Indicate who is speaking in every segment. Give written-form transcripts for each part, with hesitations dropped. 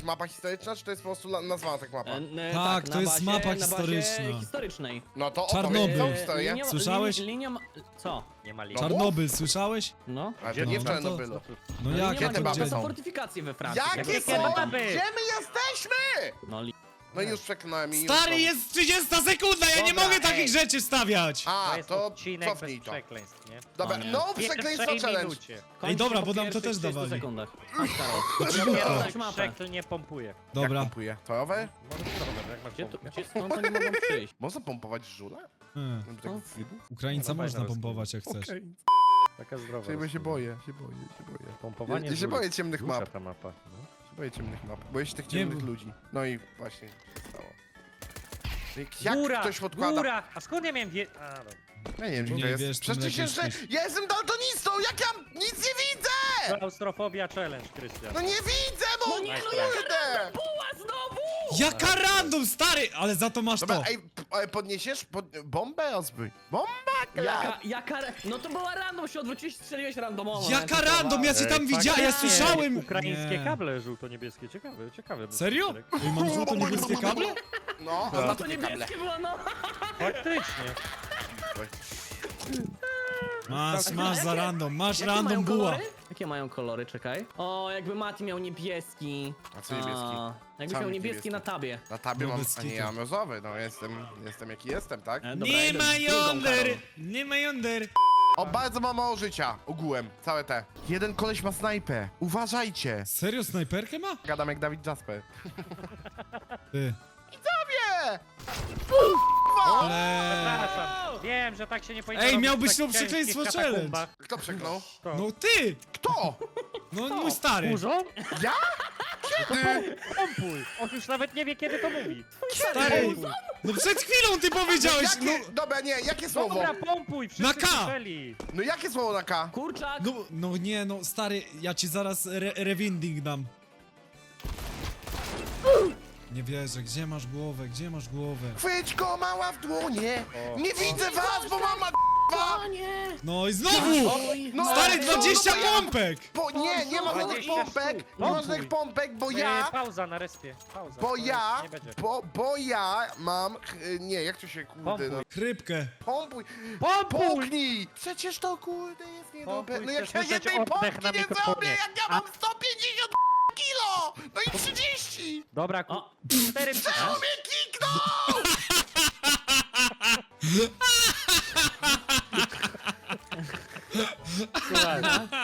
Speaker 1: mapa historyczna, czy to jest po prostu nazwana tak mapa?
Speaker 2: Tak, to
Speaker 3: na
Speaker 2: jest mapa
Speaker 3: na bazie
Speaker 2: historyczna.
Speaker 3: historycznej.
Speaker 1: No to
Speaker 2: Czarnobyl.
Speaker 1: opowiedz tą historię.
Speaker 2: Słyszałeś?
Speaker 3: Linią... Co?
Speaker 4: Nie ma linii.
Speaker 2: Czarnobyl, słyszałeś?
Speaker 3: No?
Speaker 1: A to
Speaker 4: Gdzie
Speaker 1: nie w
Speaker 2: no, to-
Speaker 1: Czarnobylu.
Speaker 2: No
Speaker 3: Linia
Speaker 2: jak,
Speaker 1: Gdzie
Speaker 2: jak
Speaker 1: te
Speaker 2: to
Speaker 1: baby
Speaker 2: gdzie?
Speaker 3: To są
Speaker 1: są?
Speaker 3: fortyfikacje we Francji.
Speaker 1: Jakie
Speaker 4: Jakie
Speaker 1: są?
Speaker 4: baby?
Speaker 1: Gdzie my jesteśmy?
Speaker 3: No,
Speaker 1: No i już przekonałem i
Speaker 2: Stary,
Speaker 1: już
Speaker 2: jest 30 sekunda, ja nie
Speaker 4: Dobra,
Speaker 2: mogę takich
Speaker 4: ej.
Speaker 2: rzeczy wstawiać!
Speaker 1: A,
Speaker 4: To jest
Speaker 1: to
Speaker 4: odcinek
Speaker 1: cofnij
Speaker 4: bez
Speaker 1: to.
Speaker 4: przekleństw, nie?
Speaker 1: Dobra,
Speaker 3: O nie.
Speaker 1: no
Speaker 4: Pierwszej
Speaker 1: przekleństwo challenge.
Speaker 4: minucie.
Speaker 3: kończy
Speaker 2: dobra,
Speaker 3: się po
Speaker 2: bo nam to
Speaker 3: pierwszych
Speaker 2: też
Speaker 3: 30
Speaker 2: dawali.
Speaker 3: sekundach. Chodź, Karol.
Speaker 4: Dopiero
Speaker 3: Dać mapę.
Speaker 4: przekl nie pompuje.
Speaker 2: Dobra.
Speaker 1: Pompuję. Torowe?
Speaker 4: Może problem, jak masz
Speaker 3: Gdzie, to,
Speaker 4: pompkę.
Speaker 3: gdzie skąd oni mogą przyjść?
Speaker 1: Można pompować żule?
Speaker 2: Hmm.
Speaker 1: Tak
Speaker 3: No.
Speaker 1: wybuch?
Speaker 2: Ukraińca
Speaker 4: No,
Speaker 2: można
Speaker 4: fajna
Speaker 2: pompować jak chcesz.
Speaker 1: Okej.
Speaker 4: Taka zdrowa.
Speaker 1: Czyli się
Speaker 4: rozsądna.
Speaker 1: boję.
Speaker 4: Pompowanie
Speaker 1: Ja się
Speaker 4: żuli.
Speaker 1: boję ciemnych
Speaker 4: Duża
Speaker 1: map.
Speaker 4: ta mapa. No.
Speaker 1: Się boję ciemnych map. Boję się tych
Speaker 2: Nie,
Speaker 1: ciemnych
Speaker 2: bo-
Speaker 1: ludzi. No i właśnie się stało. Jak
Speaker 4: Góra!
Speaker 1: ktoś podkłada...
Speaker 4: Góra! A skąd ja miałem A, dobra.
Speaker 1: Ja nie wiem, gdzie
Speaker 2: Nie
Speaker 1: to jest.
Speaker 2: wiesz, tym
Speaker 1: Przecież
Speaker 2: lepiej
Speaker 1: się, że
Speaker 2: śpisz.
Speaker 1: ja jestem daltonistą! Jak ja nic nie widzę!
Speaker 4: Klaustrofobia challenge, Krystian.
Speaker 1: No nie widzę, bo...
Speaker 3: No nie, no
Speaker 1: kurde!
Speaker 3: Buła znowu!
Speaker 2: Jaka random, stary! Ale za to masz
Speaker 1: Dobra,
Speaker 2: to.
Speaker 1: ej, podniesiesz? Bombę rozbój. Bomba!
Speaker 3: Jaka... No to była random, się odwróciłeś, strzeliłeś randomowo.
Speaker 2: Jaka
Speaker 3: no,
Speaker 2: random, ja cię tam widziałem, ja
Speaker 4: faktycznie.
Speaker 2: słyszałem!
Speaker 4: Ukraińskie
Speaker 2: Nie.
Speaker 4: kable żółto-niebieskie, ciekawe.
Speaker 2: Serio? Ej, mam żółto-niebieskie kable?
Speaker 1: No,
Speaker 3: No
Speaker 1: a
Speaker 3: to
Speaker 1: takie kable.
Speaker 3: niebieskie było, no.
Speaker 4: Faktycznie.
Speaker 2: Masz za random, masz
Speaker 3: Jakie
Speaker 2: random
Speaker 3: mają
Speaker 2: buła.
Speaker 3: kolory? Jakie mają kolory, czekaj. O, jakby Mati miał niebieski.
Speaker 1: A co niebieski?
Speaker 3: Jakbyś
Speaker 1: Sam
Speaker 3: miał
Speaker 1: niebieski.
Speaker 3: niebieski na tabie.
Speaker 1: Na tabie
Speaker 2: No
Speaker 1: mam,
Speaker 2: bez
Speaker 1: a nie,
Speaker 2: kitu.
Speaker 1: ja mam rozowy, no jestem jaki jestem, tak?
Speaker 3: Dobra,
Speaker 2: Nie
Speaker 3: idę
Speaker 2: ma
Speaker 3: z drugą
Speaker 2: yonder!
Speaker 3: Karol.
Speaker 2: Nie ma yonder!
Speaker 1: O, bardzo ma mało życia, ogółem, całe te. Jeden koleś ma snajpę, uważajcie.
Speaker 2: Serio, snajperkę ma?
Speaker 1: Gadam jak Dawid Jasper.
Speaker 2: Ty.
Speaker 1: Nie!
Speaker 2: Ale...
Speaker 4: Przepraszam. Wiem, że tak się nie powinno
Speaker 2: Ej,
Speaker 4: robić
Speaker 2: miałbyś
Speaker 4: w
Speaker 2: to
Speaker 4: tak
Speaker 2: przekleństwo
Speaker 4: ciężkich
Speaker 2: challenge.
Speaker 4: katakumbach.
Speaker 1: Kto przeklął?
Speaker 4: To.
Speaker 2: No ty!
Speaker 1: Kto?
Speaker 2: No mój stary.
Speaker 4: Kurzą?
Speaker 1: Ja? Kiedy?
Speaker 4: Pompuj! On już nawet nie wie, kiedy to mówi.
Speaker 2: Stary! No przed chwilą ty powiedziałeś, no...
Speaker 1: Jakie, dobra, nie, jakie słowo?
Speaker 4: Dobra, pompuj! Wszyscy
Speaker 2: Na K.
Speaker 4: słyszeli.
Speaker 1: No jakie słowo na K?
Speaker 3: Kurczak!
Speaker 2: No nie, no stary, ja ci zaraz rewinding dam. Nie wierzę, gdzie masz głowę, gdzie masz głowę?
Speaker 1: Chwyć go, mała w dłonie. Nie widzę was, bo mama
Speaker 3: O nie!
Speaker 2: No i znowu!
Speaker 1: No,
Speaker 2: Stary,
Speaker 1: no,
Speaker 2: 20
Speaker 1: no, bo ja-
Speaker 2: pompek!
Speaker 1: Nie ma żadnych
Speaker 4: 20
Speaker 1: pompek,
Speaker 4: sztuk.
Speaker 1: nie ma
Speaker 4: Pompuj.
Speaker 1: żadnych pompek, bo ja...
Speaker 4: Pauza na respie. Pauza.
Speaker 1: Bo
Speaker 4: To
Speaker 1: ja,
Speaker 4: Nie będzie.
Speaker 1: bo ja mam, nie, jak to się kurde,
Speaker 4: Pompuj.
Speaker 1: no,
Speaker 2: Chrypkę.
Speaker 1: pompuj,
Speaker 4: Pompuj!
Speaker 1: pomknij! Przecież to kurde jest niedobre,
Speaker 4: Pompuj,
Speaker 1: no jak
Speaker 4: chcesz
Speaker 1: ja
Speaker 4: słyszeć
Speaker 1: jednej
Speaker 4: oddech
Speaker 1: pompki
Speaker 4: na
Speaker 1: nie
Speaker 4: mikrofonie.
Speaker 1: zrobię, jak ja mam 150 kilo, no i 30!
Speaker 4: Dobra,
Speaker 3: O.
Speaker 4: 4
Speaker 1: Czemu mnie kiknął?
Speaker 4: Słuchaj.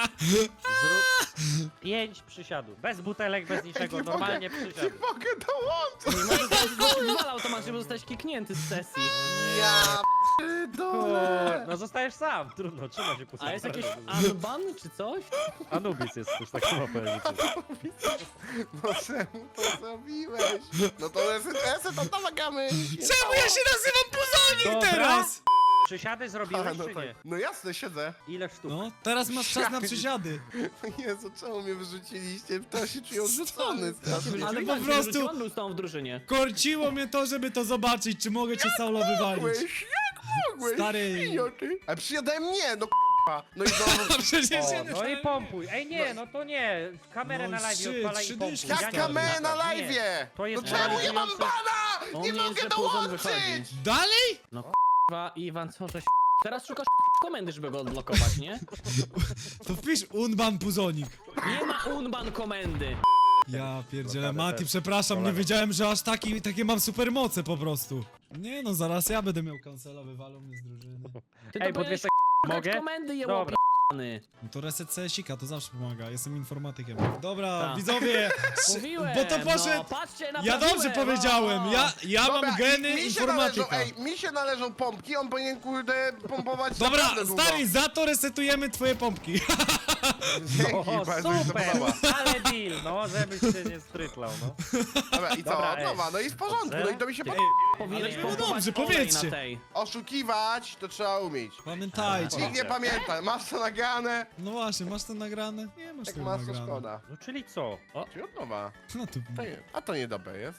Speaker 4: Zrób 5 przysiadów. Bez butelek, bez niczego.
Speaker 1: Nie
Speaker 4: Normalnie
Speaker 1: mogę, nie
Speaker 4: przysiadów.
Speaker 1: mogę dołączyć!
Speaker 3: Nie może teraz go odwala automatycznie, bo zostałeś kiknięty z sesji.
Speaker 1: Ja
Speaker 4: Kur-
Speaker 1: dole.
Speaker 4: No zostajesz sam. Trudno, trzyma się
Speaker 3: A jest
Speaker 4: posłuchać.
Speaker 3: jakiś unban czy coś?
Speaker 4: Anubis jest też tak chyba powiedzieć.
Speaker 1: No czemu to zrobiłeś? No to reset to nagamy.
Speaker 2: Czemu ja się nazywam Puzonik
Speaker 4: Dobra.
Speaker 2: teraz?
Speaker 4: Przysiady zrobiłeś, czy nie?
Speaker 1: No jasne, siedzę.
Speaker 4: Ile sztuk?
Speaker 2: No, teraz masz czas na przysiady.
Speaker 1: Jezu, czemu mnie wyrzuciliście? To się czuję odrzucony strasznie.
Speaker 2: Ale
Speaker 3: Czyli
Speaker 2: po
Speaker 3: tak,
Speaker 2: prostu-
Speaker 3: On był z tą w drużynie.
Speaker 2: Korciło mnie to, żeby to zobaczyć, czy mogę cię Saulo wywalić.
Speaker 1: Jak mogłeś?
Speaker 2: Stary.
Speaker 1: Świnio, ty. A przyjadałem mnie, no k***a. No i znowu...
Speaker 2: Przecież
Speaker 4: O,
Speaker 2: się
Speaker 4: no i pompuj. Ej nie, no to nie. Kamerę
Speaker 2: No
Speaker 4: na live
Speaker 2: trzy
Speaker 4: odpalaj i pompuj.
Speaker 2: dyszki.
Speaker 4: Ja
Speaker 1: Jak
Speaker 4: nie
Speaker 1: kamerę
Speaker 4: robię
Speaker 1: na
Speaker 4: tak,
Speaker 1: live'ie!
Speaker 4: nie. To jest
Speaker 1: No czemu nie mam
Speaker 4: paraliżujące.
Speaker 1: bana?
Speaker 3: On
Speaker 1: Nie
Speaker 3: nie
Speaker 1: mogę
Speaker 3: jest, że Puzon
Speaker 1: dołączyć!
Speaker 3: wychodzi.
Speaker 2: Dalej?
Speaker 3: Kurwa, Iwan, co żeś... Teraz szukasz komendy, żeby go odblokować, nie?
Speaker 2: To wpisz Unban Puzonik.
Speaker 3: Nie ma unban komendy.
Speaker 2: Ja pierdzielę,
Speaker 4: Dobra,
Speaker 2: Mati,
Speaker 4: też.
Speaker 2: przepraszam, nie
Speaker 4: Kolega.
Speaker 2: wiedziałem, że aż takie mam supermoce po prostu. Nie no, zaraz ja będę miał kancela, wywalą mnie z drużyny.
Speaker 3: Ty
Speaker 4: Ej,
Speaker 3: to
Speaker 4: bo dwie
Speaker 3: powinieneś
Speaker 4: sekundy
Speaker 3: szukać
Speaker 4: mogę?
Speaker 3: komendy, je
Speaker 4: Dobra.
Speaker 3: łapany.
Speaker 2: No to reset CS-ika, to zawsze pomaga, jestem informatykiem. Dobra,
Speaker 3: Tak.
Speaker 2: widzowie,
Speaker 3: Mówiłem,
Speaker 2: bo to poszedł...
Speaker 3: no, patrzcie,
Speaker 2: Ja
Speaker 3: naprawiłem,
Speaker 2: dobrze powiedziałem,
Speaker 3: o.
Speaker 2: ja
Speaker 1: Dobra,
Speaker 2: mam geny
Speaker 1: mi się należą,
Speaker 2: informatyka.
Speaker 1: mi się należą pompki, on powinien kurde pompować
Speaker 2: Dobra,
Speaker 1: naprawdę długo.
Speaker 2: stary, za to resetujemy twoje pompki.
Speaker 1: Dzięki,
Speaker 4: O,
Speaker 1: bardzo mi się to
Speaker 4: super!
Speaker 1: podoba.
Speaker 4: Ale deal, no, żebyś się nie strytlał, no.
Speaker 1: Dobra, i co,
Speaker 4: Dobra,
Speaker 1: od nowa, no i w porządku,
Speaker 4: Dobrze.
Speaker 1: no i to mi się podoba.
Speaker 3: Powinieneś
Speaker 2: Ale było
Speaker 3: pompować
Speaker 2: dobrze,
Speaker 3: olej
Speaker 2: powiedzcie.
Speaker 3: na tej.
Speaker 1: Oszukiwać to trzeba umieć.
Speaker 2: Pamiętajcie.
Speaker 1: Nikt nie pamięta, masz to nagrane?
Speaker 2: No właśnie, masz to nagrane? Nie masz
Speaker 1: Jak
Speaker 2: tego
Speaker 1: masz to
Speaker 2: nagrane.
Speaker 1: szkoda.
Speaker 4: No czyli co? O,
Speaker 1: Czyli od nowa.
Speaker 2: No to...
Speaker 1: To nie, a to niedobre jest.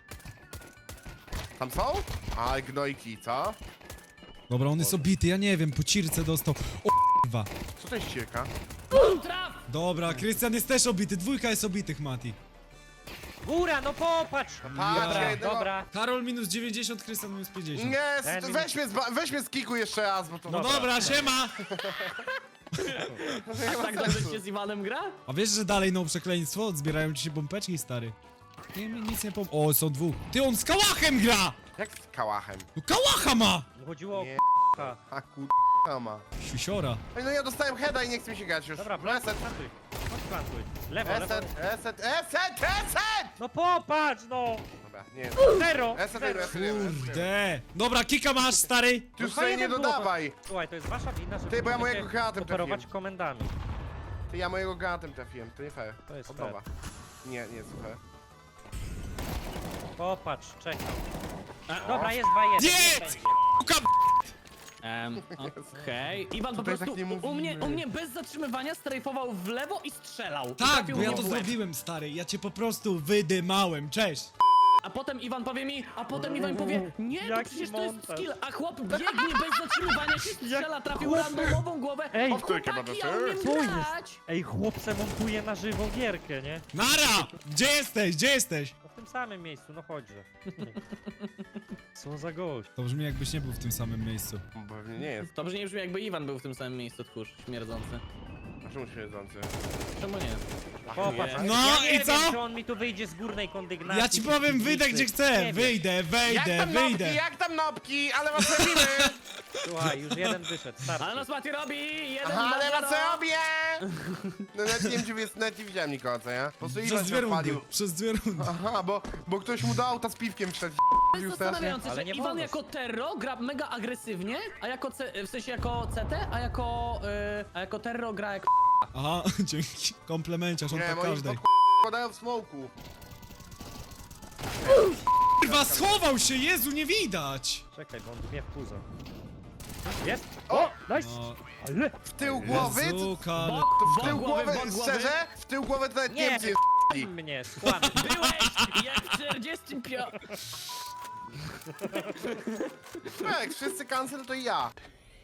Speaker 1: Tam są? A, gnojki, co?
Speaker 2: Dobra, on jest obity, ja nie wiem, po circe dostał. O k***wa.
Speaker 1: Co to jest ścierka?
Speaker 3: Traf!
Speaker 2: Dobra, Krystian jest też obity, dwójka jest obitych, Mati.
Speaker 4: Góra, no popatrz!
Speaker 1: Patrz,
Speaker 4: Dobra,
Speaker 1: jednego-
Speaker 4: dobra.
Speaker 2: Karol minus 90, Krystian minus 50.
Speaker 1: Nie,
Speaker 4: Ten
Speaker 1: weź mnie z kiku jeszcze raz, bo to...
Speaker 2: No dobra, siema!
Speaker 3: Tak dobrze się z Iwanem gra?
Speaker 2: A wiesz, że dalej no przekleństwo? Zbierają ci się bombeczki, stary. Nie, mi nic nie O, są dwóch. Ty, on z kałachem gra!
Speaker 1: Jak z kałachem?
Speaker 2: No kałacha ma!
Speaker 4: Chodziło o
Speaker 1: Nie.
Speaker 4: k***a.
Speaker 1: A ma.
Speaker 2: Siusiora.
Speaker 1: Ej, no ja dostałem heada i nie chce mi się grać już.
Speaker 4: Dobra,
Speaker 1: Reset,
Speaker 4: plantuj. Chodź plantuj. Lewo, lewo.
Speaker 1: reset.
Speaker 4: No popatrz, no!
Speaker 1: Dobra, nie.
Speaker 4: Zero!
Speaker 1: Reset,
Speaker 4: Zero.
Speaker 1: reset.
Speaker 2: Kurde. Dobra, kika masz, stary.
Speaker 1: Ty już
Speaker 4: No
Speaker 1: sobie nie
Speaker 4: jeden było.
Speaker 1: dodawaj.
Speaker 4: Słuchaj, to jest wasza wina, że
Speaker 1: Ty, bo ja
Speaker 4: będziecie
Speaker 1: mojego granatem
Speaker 4: operować
Speaker 1: trafiłem.
Speaker 4: komendami.
Speaker 1: Ty, ja mojego granatem trafiłem, to nie fair.
Speaker 4: To jest
Speaker 1: Od
Speaker 4: fair.
Speaker 1: nowa. Nie, słuchaj.
Speaker 4: Popatrz, czekam.
Speaker 3: A,
Speaker 4: Dobra, jest 2-1.
Speaker 2: Nie!
Speaker 4: będzie.
Speaker 2: Kuka,
Speaker 3: Okej. Iwan po
Speaker 1: Tutaj
Speaker 3: prostu
Speaker 1: tak nie
Speaker 3: u
Speaker 1: mówimy.
Speaker 3: mnie bez zatrzymywania strajfował w lewo i strzelał. I
Speaker 2: Tak,
Speaker 3: trafił
Speaker 2: bo ja
Speaker 3: mnie
Speaker 2: to
Speaker 3: w łeb.
Speaker 2: zrobiłem, stary. Ja cię po prostu wydymałem. Cześć.
Speaker 3: A potem Iwan powie mi, nie, to
Speaker 4: Jaki
Speaker 3: przecież to jest
Speaker 4: montaż.
Speaker 3: skill, a chłop biegnie bez zatrzymywania się, strzela, trafił randomową głowę.
Speaker 4: Ej,
Speaker 3: O,
Speaker 1: powtórkę
Speaker 3: chłopaki,
Speaker 1: będę
Speaker 3: ja umiem
Speaker 4: Co jest?
Speaker 3: grać!
Speaker 4: Ej, chłopce montuje na żywo gierkę, nie?
Speaker 2: Nara! Gdzie jesteś? Gdzie jesteś?
Speaker 4: No w tym samym miejscu, no chodźże. Co za gość.
Speaker 2: To brzmi jakbyś nie był w tym samym miejscu.
Speaker 1: Bo pewnie nie jest.
Speaker 3: To brzmi jakby Iwan był w tym samym miejscu, tchórz, śmierdzący.
Speaker 1: A czemu śmierdzący?
Speaker 3: Czemu nie?
Speaker 4: Popatrz.
Speaker 3: nie.
Speaker 2: No
Speaker 4: ja nie
Speaker 2: i co?
Speaker 4: Wiem, czy on mi tu wyjdzie z górnej kondygnacji.
Speaker 2: Ja ci powiem, wyjdę gdzie chcę. Wyjdę,
Speaker 1: Jak
Speaker 2: wejdę,
Speaker 1: tam nopki,
Speaker 2: wyjdę.
Speaker 1: jak tam nopki, ale was robimy!
Speaker 4: Słuchaj, już jeden wyszedł, starczy.
Speaker 3: Ale nas Mati robi! Jeden
Speaker 1: Aha, ale
Speaker 3: na
Speaker 1: was
Speaker 3: zero.
Speaker 1: robię! No nawet nie wiem, czy jest, nawet nie widziałem nikogo, co ja? Po prostu
Speaker 2: Przez
Speaker 1: Iwan
Speaker 2: dwie
Speaker 1: się
Speaker 2: rundy.
Speaker 1: odpalił.
Speaker 2: Przez dwie rundy.
Speaker 1: Aha, bo ktoś mu do auta z piwkiem wszedł.
Speaker 3: To jest zastanawiające,
Speaker 4: Ale
Speaker 3: że
Speaker 4: nie
Speaker 3: Iwan
Speaker 4: wolno.
Speaker 3: jako Terro gra mega agresywnie, a jako w sensie jako CT, a jako Terro gra jak
Speaker 2: Aha, dzięki. Komplemenciarz, on
Speaker 1: Nie,
Speaker 2: to
Speaker 1: moi
Speaker 2: każdej.
Speaker 1: to padają w smoku.
Speaker 2: Kurwa, schował się, Jezu, nie widać.
Speaker 4: Czekaj, bo on mnie wkurza. Jest?
Speaker 1: O!
Speaker 4: Nice!
Speaker 2: No,
Speaker 4: Ale...
Speaker 1: W tył głowy?
Speaker 2: Jezu, ale...
Speaker 3: bok,
Speaker 1: To w tył
Speaker 3: bok
Speaker 1: głowy,
Speaker 3: bok głowy.
Speaker 1: szczerze? W tył głowy to nawet
Speaker 4: Nie,
Speaker 1: Niemcy jest
Speaker 4: mnie, skłamy.
Speaker 3: Byłeś jak w 45.
Speaker 1: Jak wszyscy cancel, to i ja.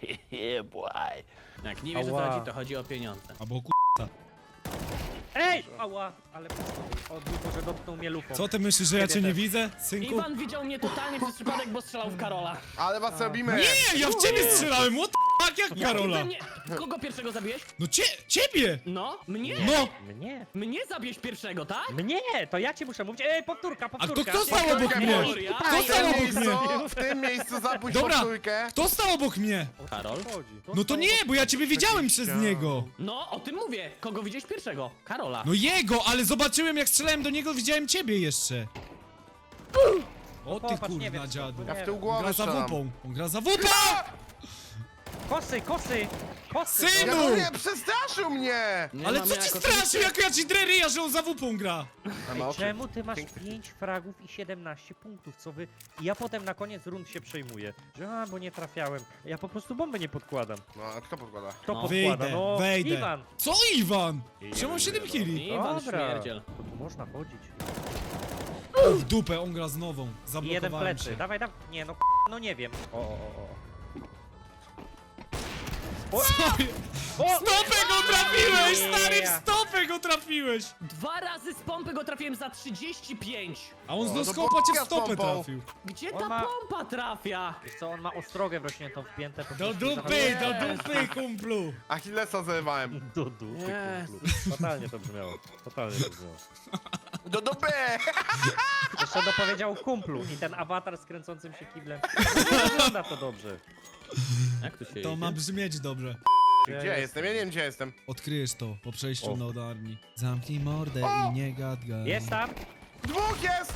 Speaker 3: Jak nie wiesz o co
Speaker 4: Ała.
Speaker 3: chodzi, to chodzi o pieniądze.
Speaker 2: Albo k***a.
Speaker 4: Ej! Ała! Ale... O, tylko, że dotknął mnie lupą.
Speaker 2: Co ty myślisz, że ja cię nie widzę, synku?
Speaker 3: Iwan widział mnie totalnie przez przypadek, bo strzelał w Karola.
Speaker 1: Ale was robimy.
Speaker 2: Nie, ja w ciebie strzelałem, what the fuck, jak Karola?
Speaker 3: Ty mnie... Kogo pierwszego zabiłeś?
Speaker 2: No ciebie!
Speaker 3: No, mnie?
Speaker 2: No!
Speaker 4: Mnie?
Speaker 3: Mnie zabiłeś pierwszego, tak?
Speaker 4: Mnie! To ja ci muszę mówić. Ej, powtórka,
Speaker 2: A
Speaker 4: powtórka!
Speaker 2: kto stał obok mnie?
Speaker 3: Teoria.
Speaker 2: Kto stał obok mnie?
Speaker 1: W tym miejscu zapuść
Speaker 2: Dobra,
Speaker 1: powtórkę.
Speaker 2: kto stał obok mnie?
Speaker 3: Karol?
Speaker 4: Chodzi.
Speaker 2: No to nie, bo ja ciebie widziałem przez niego.
Speaker 3: No, o tym mówię. Kogo widziałeś pierwszego? Karola.
Speaker 2: No jego, ale zobaczyłem jak strzelałem do niego, widziałem ciebie jeszcze. O ty
Speaker 4: Popatrz, nie
Speaker 2: kurna
Speaker 4: wiem,
Speaker 2: dziadu.
Speaker 1: Ja w tył
Speaker 2: On
Speaker 1: głowy
Speaker 2: gra za
Speaker 1: strzelam.
Speaker 2: wupą, on gra za wupą!
Speaker 4: Kosy, kosy! Kosy!
Speaker 2: Synu!
Speaker 1: Ja mówię, przestraszył mnie!
Speaker 3: Nie
Speaker 2: Ale
Speaker 3: mam
Speaker 2: co ci
Speaker 3: jako-
Speaker 2: straszył, jak ja ci dreryja, że on za wupą gra?
Speaker 1: A ma
Speaker 4: Ej,
Speaker 1: oczy.
Speaker 4: czemu ty masz
Speaker 1: Piękny.
Speaker 4: 5 fragów i 17 punktów, co wy... I ja potem na koniec rund się przejmuję, że bo nie trafiałem. Ja po prostu bombę nie podkładam.
Speaker 1: No, a kto podkłada?
Speaker 4: Kto
Speaker 3: No.
Speaker 4: podkłada?
Speaker 2: Wyjdę,
Speaker 4: No,
Speaker 2: wejdę.
Speaker 4: Iwan!
Speaker 2: Co Iwan? Czemu mam 7 killi?
Speaker 3: Iwan
Speaker 4: Dobra.
Speaker 3: śmierdziel.
Speaker 4: To tu można chodzić.
Speaker 2: W dupę, on gra z nową.
Speaker 4: I jeden
Speaker 2: Zablokowałem
Speaker 4: plecy.
Speaker 2: się.
Speaker 4: Dawaj, dawaj. Nie, no no nie wiem. O.
Speaker 2: W stopę go trafiłeś, stary, w
Speaker 4: Yeah.
Speaker 2: stopę go trafiłeś!
Speaker 3: 2 razy z pompy go trafiłem za 35.
Speaker 2: A on z
Speaker 1: O, to
Speaker 2: noskopa cię
Speaker 1: podbiega
Speaker 2: w stopę
Speaker 1: z pompą.
Speaker 2: trafił.
Speaker 3: Gdzie
Speaker 4: On
Speaker 3: ta
Speaker 4: ma-
Speaker 3: pompa trafia?
Speaker 4: Wiesz co, on ma ostrogę wrośniętą w piętę. po
Speaker 2: Do
Speaker 4: prostu
Speaker 2: dupy,
Speaker 4: zaraz-
Speaker 2: do dupy, kumplu!
Speaker 1: Achillesa zerwałem.
Speaker 4: Do dupy,
Speaker 3: Yes.
Speaker 4: kumplu. Totalnie to brzmiało. Totalnie to brzmiało.
Speaker 1: Do dupy!
Speaker 4: Jeszcze dopowiedział kumplu i ten awatar z kręcącym się kiblem. Nie wygląda to dobrze.
Speaker 3: Jak tu się
Speaker 2: To
Speaker 3: idzie?
Speaker 2: ma brzmieć dobrze.
Speaker 1: Gdzie ja jestem? Ja nie wiem, gdzie jestem.
Speaker 2: Odkryjesz to po przejściu
Speaker 4: O.
Speaker 2: do armii. Zamknij mordę
Speaker 1: O!
Speaker 2: i nie gadgaj.
Speaker 4: Jest tam?
Speaker 1: Dwóch jest!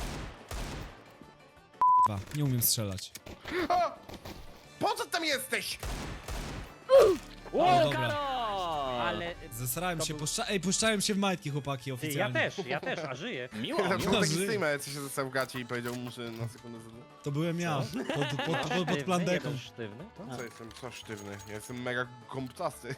Speaker 2: Nie umiem strzelać.
Speaker 1: O! Po co tam jesteś?
Speaker 2: O,
Speaker 3: O,
Speaker 2: dobra.
Speaker 3: Karol!
Speaker 4: Ale...
Speaker 2: Zesrałem
Speaker 4: To
Speaker 2: się,
Speaker 4: był-
Speaker 2: puszczałem się w majtki, chłopaki,
Speaker 4: Ty, ja
Speaker 2: oficjalnie.
Speaker 4: też, a żyję.
Speaker 3: Miło,
Speaker 1: To
Speaker 3: miło.
Speaker 1: był taki
Speaker 2: żyje.
Speaker 1: streamer, co się został w gacie i powiedział, muszę na sekundę zadać.
Speaker 2: To byłem ja, pod
Speaker 4: Sztywny,
Speaker 2: plandeką.
Speaker 4: jeden sztywny. To?
Speaker 1: Co jestem, co sztywny? Ja jestem mega komptasty.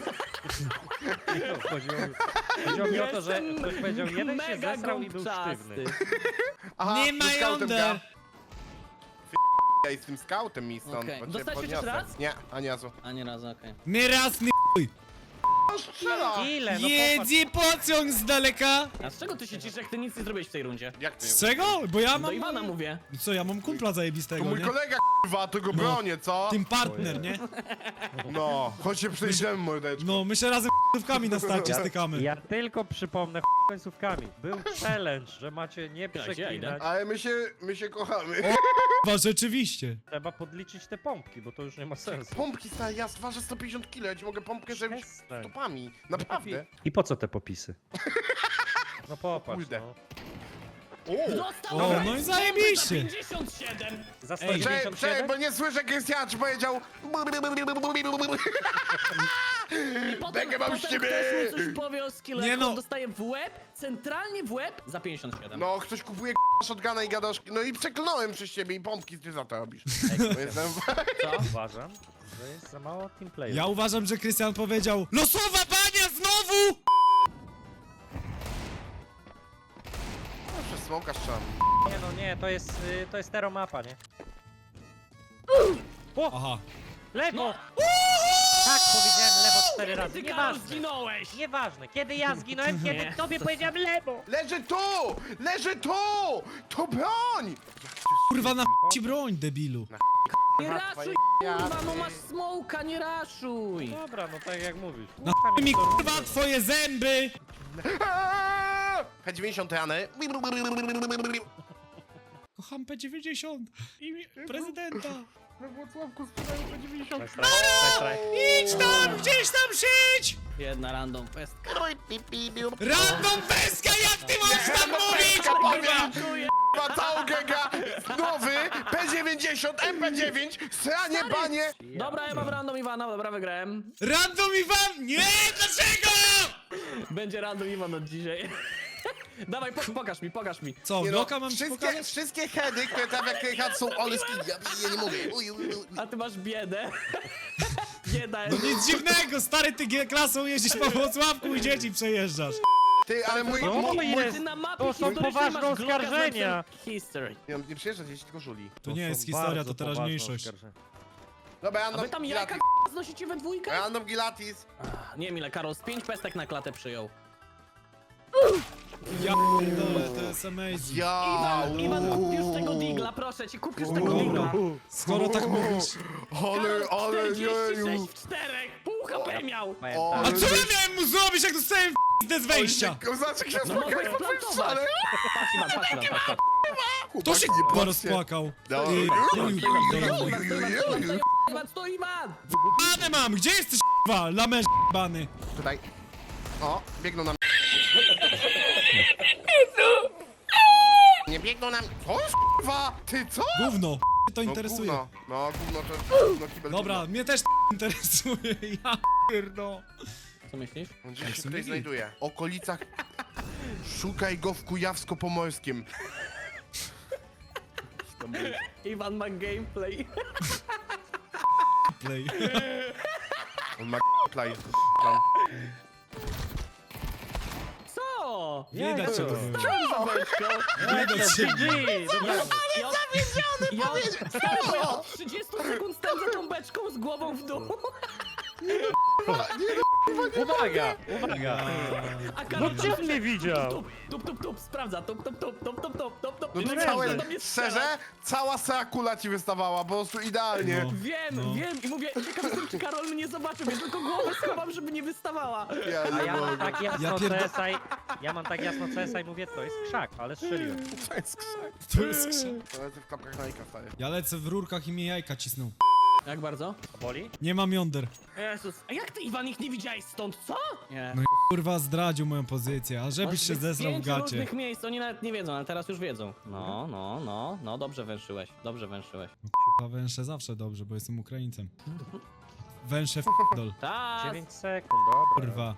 Speaker 4: No, chodziło mi o to, że ktoś powiedział, jeden się
Speaker 3: Mega
Speaker 4: zesrał i był
Speaker 3: gąbczasty.
Speaker 4: sztywny.
Speaker 1: Aha,
Speaker 2: Nie ma
Speaker 1: z scoutem
Speaker 2: jąder!
Speaker 1: gra. Ja z tym scoutem mi stąd,
Speaker 3: Okej.
Speaker 1: bo cię
Speaker 3: Dostałeś chociaż
Speaker 1: podniosę.
Speaker 3: raz?
Speaker 1: Nie, ani razu.
Speaker 3: A nie raz, okej.
Speaker 2: Nie raz, nie chuj.
Speaker 1: on strzela?
Speaker 4: Ile? No popatrz.
Speaker 2: Jedzie pociąg z daleka!
Speaker 3: A z czego ty się cieszysz, jak ty nic nie zrobiłeś w tej rundzie?
Speaker 1: Jak ty?
Speaker 2: Z czego? Bo ja
Speaker 3: Do
Speaker 2: mam...
Speaker 3: Iwana mówię.
Speaker 2: Co, ja mam kumpla
Speaker 1: To
Speaker 2: zajebistego,
Speaker 1: mój
Speaker 2: nie?
Speaker 1: kolega k***wa, to go bronię, co?
Speaker 2: Tym partner, nie?
Speaker 1: No, chodź się przejdziemy, mordeczko.
Speaker 2: No, my się razem k***ówkami na starcie stykamy.
Speaker 4: Ja tylko przypomnę końcówkami. Był challenge, że macie nie
Speaker 3: ja idę.
Speaker 4: przeklinać.
Speaker 1: Ale my się kochamy.
Speaker 2: Chyba rzeczywiście.
Speaker 4: Trzeba podliczyć te pompki, bo to już nie ma sensu.
Speaker 1: Pompki stary, ja ważę 150 kg, ja ci mogę pompkę zrobić
Speaker 4: Przestań.
Speaker 1: stopami. Naprawdę.
Speaker 4: I po co te popisy? No popatrz,
Speaker 1: Kurde.
Speaker 4: no.
Speaker 3: Dostał
Speaker 2: O,
Speaker 3: hajs
Speaker 2: no i
Speaker 3: z
Speaker 2: zajebiście.
Speaker 3: bomby za 57.
Speaker 4: Za
Speaker 2: Ej,
Speaker 1: Czekaj,
Speaker 4: 197?
Speaker 1: bo nie słyszę, Krystian, czy powiedział... Będę mam z
Speaker 3: Potem
Speaker 1: ciebie!
Speaker 3: ktoś mu coś powie o skillu,
Speaker 2: Nie
Speaker 3: jak
Speaker 2: no.
Speaker 3: on dostaje w łeb, centralnie w łeb za 57.
Speaker 1: No, ktoś kupuje shotguna i gadasz... No i przeklnąłem przez ciebie i pompki ty za to robisz. To jestem...
Speaker 3: Co?
Speaker 4: Uważam, że jest za mało teamplayu.
Speaker 2: Ja uważam, że Krystian powiedział LOSOWA BANIA ZNOWU!
Speaker 1: Przez smoka strzelam.
Speaker 4: Nie no nie, to jest teromapa, nie?
Speaker 2: Aha.
Speaker 4: Lewo!
Speaker 3: No.
Speaker 4: Tak, powiedziałem lewo 4 razy,
Speaker 3: Ty, Karol,
Speaker 4: nieważne.
Speaker 3: zginąłeś!
Speaker 4: Nieważne, kiedy ja zginąłem, kiedy
Speaker 3: Nie.
Speaker 4: tobie powiedziałem lewo!
Speaker 1: Leży tu! Leży tu! To broń!
Speaker 2: Kurwa, na ci broń, debilu.
Speaker 3: Nie raszuj, kurwa, no masz smoka, nie raszuj!
Speaker 4: Dobra, no tak jak mówisz.
Speaker 2: Na mi kurwa twoje zęby!
Speaker 1: P90 rany.
Speaker 2: Kocham P90 i prezydenta.
Speaker 1: We Włocławku sprzedają P90.
Speaker 2: Idź tam, gdzieś tam siedź!
Speaker 3: Jedna random pestka.
Speaker 2: Random pestka, jak ty możesz tam mówić?
Speaker 3: Dziękuję.
Speaker 1: Ma całą gęga. Nowy P90, MP9, sranie, banie.
Speaker 3: Dobra, ja mam random Iwana, dobra, wygrałem.
Speaker 2: Random Iwan! Nie, dlaczego?
Speaker 3: Będzie random Iwan od dzisiaj. Dawaj, pokaż mi.
Speaker 2: Co,
Speaker 1: Nie
Speaker 2: bloka mam ci pokazać?
Speaker 1: wszystkie heady, które tam jak krychać są one skin. Ja nie mogę. Uj.
Speaker 3: A ty masz biedę. Bieda
Speaker 2: No nic dziwnego, stary, ty G-klasą jeździsz po Włocławku i dzieci przejeżdżasz.
Speaker 1: Ty, ale mój...
Speaker 4: No,
Speaker 1: mój
Speaker 4: jest.
Speaker 3: Ty na mapie
Speaker 4: To są
Speaker 3: historycznej
Speaker 4: poważne
Speaker 3: masz Glocka z
Speaker 4: oskarżenia.
Speaker 3: napisem History.
Speaker 1: nie przyjeżdża gdzieś, tylko żuli.
Speaker 2: To nie jest historia, to teraźniejszość.
Speaker 1: Dobra,
Speaker 3: A
Speaker 1: random
Speaker 3: wy tam jajka
Speaker 1: Gilatis.
Speaker 3: znosicie we dwójkę?
Speaker 1: Random Gilatis.
Speaker 3: Nie wiem ile, Karol, z 5 pestek na klatę przyjął.
Speaker 2: Ja pierdolę, to jest amazing.
Speaker 1: Ja.
Speaker 3: Iwan, kup już tego digla, proszę cię, kup już tego digla.
Speaker 2: Skoro tak mówisz.
Speaker 1: Ale
Speaker 3: 46
Speaker 1: jeju.
Speaker 3: w 4, pół HP miał.
Speaker 1: O,
Speaker 2: A co ja miałem mu zrobić, jak dostałem f***ę z wejścia?
Speaker 1: Zobacz, jak się
Speaker 3: No mogłeś
Speaker 1: spokojnie
Speaker 3: plantować.
Speaker 1: wystrzale.
Speaker 3: Patrz Iwan, patrz.
Speaker 2: To się
Speaker 1: Chłopaki,
Speaker 2: k***a
Speaker 1: nie
Speaker 2: rozpłakał.
Speaker 1: Dobra.
Speaker 3: Iwan, stoi Iwan!
Speaker 2: Bany mam, gdzie jesteś k***a? Lamerz bany.
Speaker 1: Tutaj. O, biegną na mnie. Nie biegną na mnie. Co jest k***wa? Ty co?
Speaker 2: Gówno. To interesuje.
Speaker 1: No gówno to gówno kibel.
Speaker 2: Dobra,
Speaker 1: gówno.
Speaker 2: mnie też interesuje. Ja pierdolę.
Speaker 3: Co myślisz?
Speaker 1: On gdzieś się
Speaker 2: sobie
Speaker 1: tutaj
Speaker 2: git.
Speaker 1: znajduje. W okolicach. Szukaj go w Kujawsko-Pomorskim.
Speaker 3: Iwan ma gameplay.
Speaker 2: Play.
Speaker 1: On ma play.
Speaker 3: Co?
Speaker 2: Widać cię to
Speaker 4: Jajko.
Speaker 2: było.
Speaker 3: Stałem za beczką.
Speaker 2: Widać cię.
Speaker 3: Ja od 30 sekund stałem za tą beczką z głową w dół.
Speaker 4: Uwaga, uwaga.
Speaker 3: A
Speaker 4: No
Speaker 3: Karol
Speaker 4: gdzie mnie widział?
Speaker 3: tup, sprawdza, tup.
Speaker 1: No
Speaker 3: I
Speaker 1: to
Speaker 3: nagle
Speaker 1: całe,
Speaker 3: do mnie strzela.
Speaker 1: szczerze, cała seakula ci wystawała, po prostu idealnie.
Speaker 2: No.
Speaker 3: Wiem i mówię, ciekaw jestem, czy Karol mnie zobaczył, więc tylko głowę schowam, żeby nie wystawała.
Speaker 1: Ja
Speaker 4: A
Speaker 1: nie
Speaker 4: ja mam
Speaker 1: mogę.
Speaker 4: tak jasno
Speaker 2: Ja pierdol-
Speaker 4: CSI, ja mam tak jasno CSI, mówię, to jest krzak, ale strzeliłem.
Speaker 1: To jest krzak.
Speaker 2: To jest krzak.
Speaker 1: To lecę w klapkach Nike'a, stary.
Speaker 2: Ja lecę w rurkach i mnie jajka cisną.
Speaker 3: Jak bardzo?
Speaker 4: Boli?
Speaker 2: Nie mam jąder.
Speaker 3: Jezus, a jak ty Iwan ich nie widziałeś stąd, co? Nie.
Speaker 2: No i kurwa zdradził moją pozycję, a żebyś się
Speaker 3: Z
Speaker 2: zesrał w
Speaker 3: 5
Speaker 2: gacie.
Speaker 3: różnych miejsc, oni nawet nie wiedzą, ale teraz już wiedzą. No, dobrze węszyłeś,
Speaker 2: Chyba węszę zawsze dobrze, bo jestem Ukraińcem. Węszę dol.
Speaker 3: Tak.
Speaker 4: 9 sekund, dobra.
Speaker 2: Kurwa.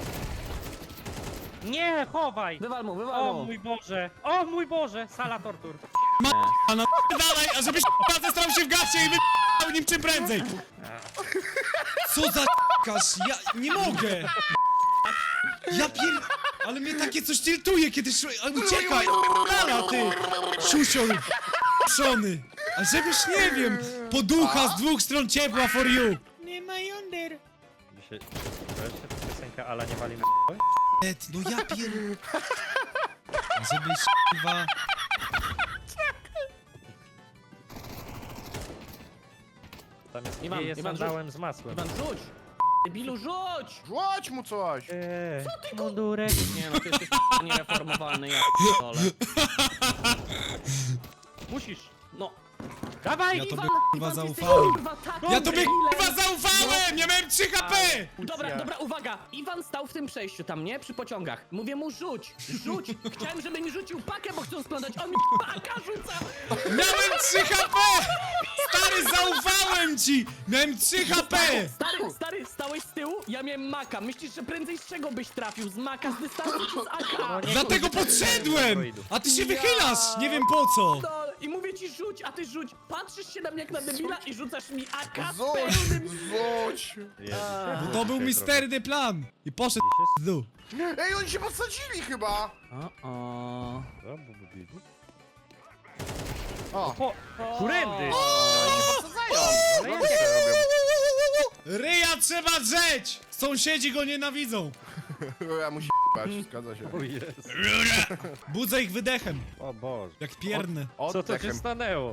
Speaker 4: Nie, chowaj!
Speaker 3: Wywal mu.
Speaker 4: O mój Boże! O mój Boże! Sala tortur.
Speaker 2: A no dalej, a żebyś k***a zestrał się w gacie i wy***ał nim czym prędzej. Co za kasz? Ja nie mogę. Ja pier... Ale mnie takie coś tiltuje, kiedy uciekaj! Dala ty! Siusiol! Szony! A żebyś nie wiem! Poducha z dwóch stron ciepła for you! Nie ma yonder!
Speaker 4: Dzisiaj wreszcie to piosenki Jaka Ala nie wali na
Speaker 2: No ja pier... Żebyś k***wa...
Speaker 4: Tam jest
Speaker 3: Iwan,
Speaker 4: wieje
Speaker 3: Iwan,
Speaker 4: sandałem z masłem.
Speaker 3: Iwan, rzuć! Debilu, rzuć!
Speaker 1: Rzuć mu coś!
Speaker 4: Mundurek.
Speaker 3: Nie no, ty jesteś niereformowalny, ja dole.
Speaker 4: Musisz.
Speaker 3: No,
Speaker 4: Dawaj!
Speaker 2: Ja tobie
Speaker 3: Iwan,
Speaker 2: kurwa
Speaker 3: Iwan, ty jesteś,
Speaker 2: zaufałem.
Speaker 3: kurwa, tak
Speaker 2: Ja tobie
Speaker 3: debilem.
Speaker 2: k***wa zaufałem! Ja miałem 3 HP!
Speaker 3: Dobra, dobra, uwaga! Iwan stał w tym przejściu tam, nie? Przy pociągach. Mówię mu rzuć! Chciałem, żeby mi rzucił pakę, bo chcą splątać. On mi paka rzuca!
Speaker 2: Miałem 3 HP! Stary, zaufałem ci! Miałem 3 HP!
Speaker 3: Stary, stałeś z tyłu, ja miałem maka. Myślisz, że prędzej z czego byś trafił? Z maka, z dystansu czy z AK?
Speaker 4: nie
Speaker 2: Dlatego
Speaker 4: kurde,
Speaker 2: podszedłem!
Speaker 4: androidu.
Speaker 2: A ty się wychylasz! Nie wiem po co!
Speaker 3: No, i mówię ci rzuć, a ty rzuć. Patrzysz się na mnie jak na debila i rzucasz mi AK z
Speaker 1: Rzuć!
Speaker 3: pełnym...
Speaker 1: Rzuć!
Speaker 4: Jezu.
Speaker 2: Bo to był misterny plan! I poszedł w dół.
Speaker 1: Ej, oni się podsadzili chyba!
Speaker 3: O.
Speaker 1: O!
Speaker 4: Po... Którędy?
Speaker 1: Oni się podsadzają!
Speaker 4: Ale
Speaker 1: No
Speaker 4: jak
Speaker 1: nie robią.
Speaker 2: Ryja trzeba drzeć! Sąsiedzi go nienawidzą!
Speaker 1: Ja musi bać, zgadza się.
Speaker 4: O Jezu.
Speaker 2: Budzę ich wydechem,
Speaker 4: O Boże.
Speaker 2: jak piernę.
Speaker 4: Co to się
Speaker 1: Oddechem.
Speaker 4: stanęło?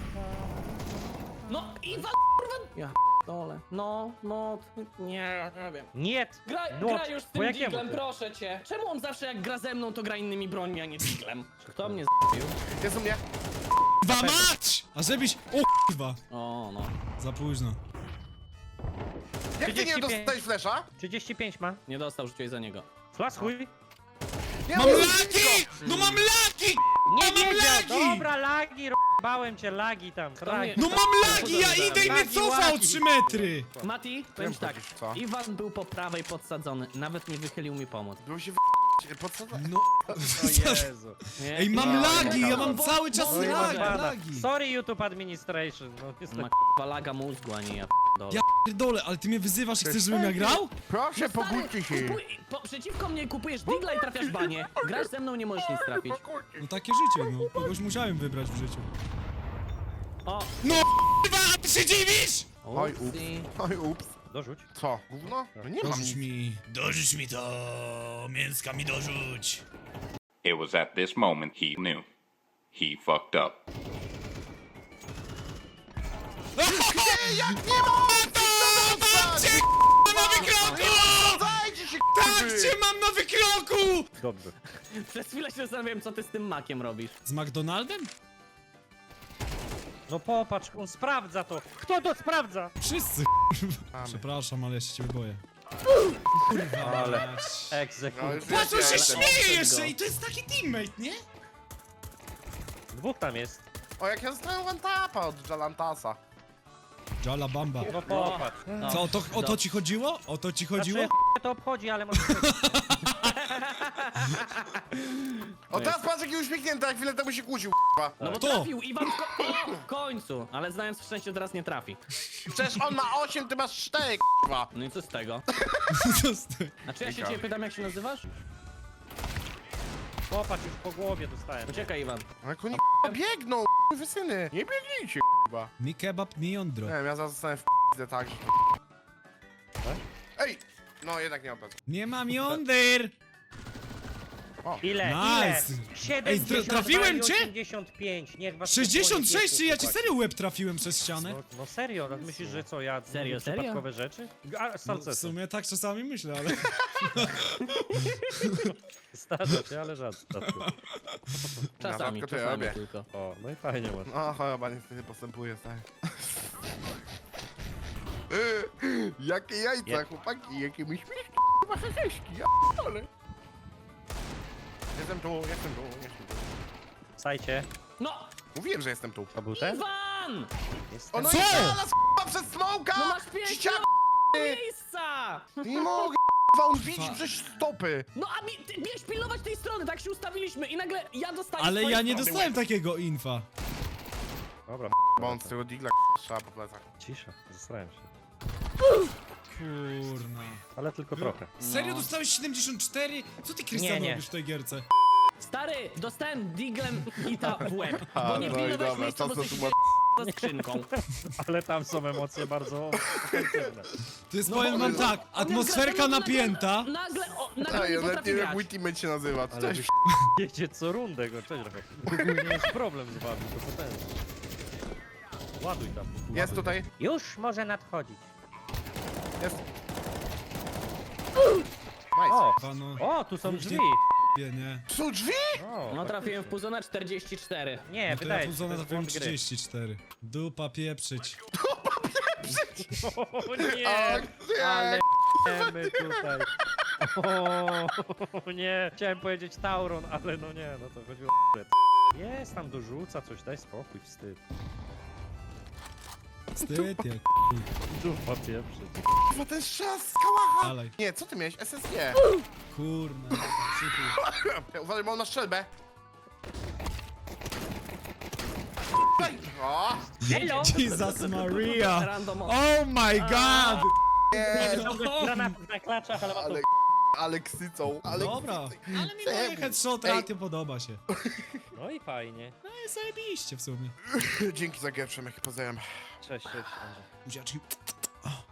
Speaker 3: No, Iwan, kurwa... Ja dole. No, nie wiem.
Speaker 4: Nie!
Speaker 3: Gra już z
Speaker 4: po
Speaker 3: tym
Speaker 4: jakiemu
Speaker 3: diglem,
Speaker 4: ty?
Speaker 3: proszę cię. Czemu on zawsze jak gra ze mną, to gra innymi brońmi, a nie diglem? Kto mnie z***ił?
Speaker 1: Jest u mnie.
Speaker 2: Dwa mać! A żebyś... O kurwa!
Speaker 3: O, no.
Speaker 2: Za późno.
Speaker 1: Jak ty nie
Speaker 4: 35.
Speaker 1: dostałeś flesza?
Speaker 4: 35 ma.
Speaker 3: Nie dostał, rzuciłeś za niego.
Speaker 4: Flash chuj.
Speaker 1: Nie
Speaker 2: Mam
Speaker 1: mam
Speaker 2: lagi! No mam lagi!
Speaker 4: Nie
Speaker 2: mam
Speaker 4: wiedział!
Speaker 2: lagi!
Speaker 4: Dobra, lagi, bałem cię, lagi tam.
Speaker 3: mnie-
Speaker 2: No mam lagi! Ja idę i mnie
Speaker 4: Lagi,
Speaker 2: cofa o
Speaker 4: lagi.
Speaker 2: 3 metry!
Speaker 3: Mati, powiem ci tak.
Speaker 1: chodzisz, co?
Speaker 3: Iwan był po prawej podsadzony, nawet nie wychylił mi pomóc.
Speaker 1: Było się podsadzać.
Speaker 2: No...
Speaker 4: O Jezu.
Speaker 3: Nie?
Speaker 2: Ej, mam
Speaker 1: No,
Speaker 2: lagi! Ja
Speaker 1: no,
Speaker 2: mam cały czas
Speaker 3: no i
Speaker 2: lagi!
Speaker 3: masz
Speaker 2: lagi.
Speaker 4: Sorry YouTube Administration. No niestety.
Speaker 3: Ma k***a laga mózgu, a nie ja p***dolę.
Speaker 2: Ja pierdolę, ale ty mnie wyzywasz i chcesz, żebym ja grał?
Speaker 1: Proszę,
Speaker 3: Stary,
Speaker 1: pogódźcie się.
Speaker 3: przeciwko mnie kupujesz digla i trafiasz banie. Grasz ze mną, nie możesz nic trafić.
Speaker 2: No takie życie, no. Kogoś musiałem wybrać w życiu.
Speaker 3: O,
Speaker 2: No kurwa, a ty się dziwisz?
Speaker 1: Oj, ups.
Speaker 3: upsi.
Speaker 1: Oj, ups.
Speaker 4: Dorzuć.
Speaker 1: Co? Gówno? No nie mam
Speaker 2: Dorzuć
Speaker 1: nic.
Speaker 2: mi. Dorzuć mi to. Mięska mi dorzuć.
Speaker 5: It was at this moment he knew. He fucked up.
Speaker 1: Jak nie ma!
Speaker 2: Mam cię k***a, na wykroku!
Speaker 1: Zajdzie się,
Speaker 2: Tak cię mam na wykroku!
Speaker 4: Dobrze.
Speaker 3: Przez chwilę się zastanawiałem, co ty z tym makiem robisz.
Speaker 2: Z McDonaldem?
Speaker 4: No popatrz, on sprawdza to. Kto to sprawdza?
Speaker 2: Wszyscy. Przepraszam, ale ja się ciebie boję. Kurwa,
Speaker 4: Ale-
Speaker 2: mać.
Speaker 1: No
Speaker 4: Egzekucja.
Speaker 1: już
Speaker 2: Patrz, on się
Speaker 1: wiecie,
Speaker 2: śmieje
Speaker 3: go.
Speaker 2: jeszcze i to jest taki teammate, nie?
Speaker 4: Dwóch tam jest.
Speaker 1: O, jak ja dostałem one-tapa od Jalantasa.
Speaker 2: Jala Bamba.
Speaker 4: No popatrz.
Speaker 3: No.
Speaker 2: Co, o to ci chodziło? O to ci chodziło?
Speaker 4: Znaczy, to obchodzi, ale może...
Speaker 1: O, teraz patrz jaki uśmiechnięty, jak chwilę temu się kłócił, k***a.
Speaker 3: No bo
Speaker 2: Kto?
Speaker 3: trafił, Iwan w końcu. Ale znając szczęście, teraz nie trafi.
Speaker 1: Przecież on ma 8, ty masz 4, k***a.
Speaker 3: No i co z tego?
Speaker 2: Co z tym?
Speaker 3: A czy ja się ciebie pytam, jak się nazywasz?
Speaker 4: Popatrz, już po głowie dostałem.
Speaker 3: Uciekaj, Iwan.
Speaker 1: Jak oni biegną, wy syny. Nie biegnijcie, k***a.
Speaker 2: Mi kebab, mi jądro.
Speaker 1: Nie wiem, ja zaraz zostanę w p***dę tak, że... Ej! No, jednak nie mam pewności.
Speaker 2: Nie mam jąder!
Speaker 4: Ile?
Speaker 2: Nice.
Speaker 4: Ile? 70
Speaker 2: Ej, trafiłem cię?
Speaker 4: 85. Niech was
Speaker 2: 66, czy ja ci
Speaker 4: chłopaki.
Speaker 2: serio łeb trafiłem przez ścianę?
Speaker 4: No serio, myślisz, że co, ja
Speaker 3: Serio,
Speaker 4: mówię
Speaker 3: serio?
Speaker 4: przypadkowe rzeczy? A,
Speaker 2: No, w
Speaker 4: salce.
Speaker 2: sumie tak czasami myślę, ale...
Speaker 4: Zdarza się, ale rzadko.
Speaker 3: Czasami,
Speaker 1: rzadko to ja
Speaker 3: czasami
Speaker 1: robię.
Speaker 3: tylko.
Speaker 4: O, no i fajnie masz.
Speaker 1: No, chyba niestety postępuje, tak. Jakie jajca, chłopaki, jakie my śmieszki, chyba heheśki, ja p***dolę. Jestem tu.
Speaker 4: Sajcie.
Speaker 3: No!
Speaker 1: Mówiłem, że jestem tu.
Speaker 4: To był ten?
Speaker 3: Iwan!
Speaker 1: O, no
Speaker 2: Co?
Speaker 1: i teraz k***a przez smoka!
Speaker 3: No masz 5
Speaker 1: Ściak...
Speaker 3: miejsca!
Speaker 1: Nie mogę, k***a, on widzi przez stopy.
Speaker 3: No a ty miałeś pilnować tej strony, tak się ustawiliśmy i nagle ja dostaję
Speaker 2: Ale
Speaker 3: swojej
Speaker 2: ja nie
Speaker 3: strony.
Speaker 2: dostałem takiego infa.
Speaker 4: Dobra,
Speaker 1: Bo on z tego digla strzela po plecach.
Speaker 4: cisza, zesrałem się.
Speaker 2: Kurna.
Speaker 4: Ale tylko trochę.
Speaker 2: Serio dostałeś 74? Co ty, Krystian,
Speaker 4: Nie, nie.
Speaker 2: robisz w tej gierce?
Speaker 3: Stary, dostałem diglem hita w łeb, bo nie
Speaker 1: no i
Speaker 3: pilnowałeś
Speaker 1: dobra,
Speaker 3: miejsca, bo
Speaker 1: czas na
Speaker 3: coś
Speaker 1: tłumacz-
Speaker 3: za skrzynką.
Speaker 4: Ale tam są emocje bardzo ofensywne.
Speaker 2: To jest, powiem wam tak, atmosferka napięta.
Speaker 3: Nagle
Speaker 1: Ej,
Speaker 3: nie
Speaker 1: ja nawet
Speaker 3: potrafi
Speaker 1: nie wiem jak
Speaker 3: grać.
Speaker 1: mój teammate się nazywa.
Speaker 4: Ale
Speaker 1: Cześć.
Speaker 4: wy wiecie co rundę go, cześć Rafał. Ogólnie jest problem z wami, to potężne. Ładuj tam.
Speaker 1: Jest tutaj.
Speaker 4: Już może nadchodzić.
Speaker 1: Jest. Nice.
Speaker 4: O!
Speaker 2: Pano,
Speaker 4: O, tu są
Speaker 2: Już nie-
Speaker 4: drzwi!
Speaker 2: nie.
Speaker 1: Są drzwi?
Speaker 4: O,
Speaker 3: No trafiłem w Puzona 44.
Speaker 4: nie,
Speaker 2: No to ja
Speaker 4: wydaje
Speaker 2: tu
Speaker 4: się,
Speaker 2: zona
Speaker 4: to jest
Speaker 2: trafiłem
Speaker 4: błąd gry.
Speaker 2: 34. Dupa pieprzyć.
Speaker 4: O nie!
Speaker 1: A,
Speaker 4: Ale
Speaker 1: nie.
Speaker 4: my tutaj. O nie! Chciałem powiedzieć Tauron, ale no nie, no to chodziło o Jest tam dorzuca coś, daj spokój, wstyd.
Speaker 2: Wstyd jak
Speaker 4: Dupa pieprzyć.
Speaker 1: Kurwa, ten szas z kałacha.
Speaker 2: dalej.
Speaker 1: Nie, co ty miałeś? SSG.
Speaker 2: Kurna. Krzyku.
Speaker 1: Uważaj, bo on na strzelbę. Ej, o!
Speaker 3: Hello!
Speaker 2: Jesus Maria.
Speaker 3: Randomowo.
Speaker 2: Oh my god.
Speaker 1: Nie,
Speaker 4: Granat na klaczach, ale ma to...
Speaker 1: ale... Ale ksycą, ale
Speaker 2: Dobra.
Speaker 1: ksycą.
Speaker 2: Ale mi moje headshot
Speaker 1: Ej.
Speaker 2: ratio podoba się.
Speaker 4: No i fajnie.
Speaker 2: No jest zajebiście w sumie.
Speaker 1: Dzięki za grę, Przemek, pozdrawiam.
Speaker 4: Cześć, cześć. Andrzej.
Speaker 2: Buziaczki.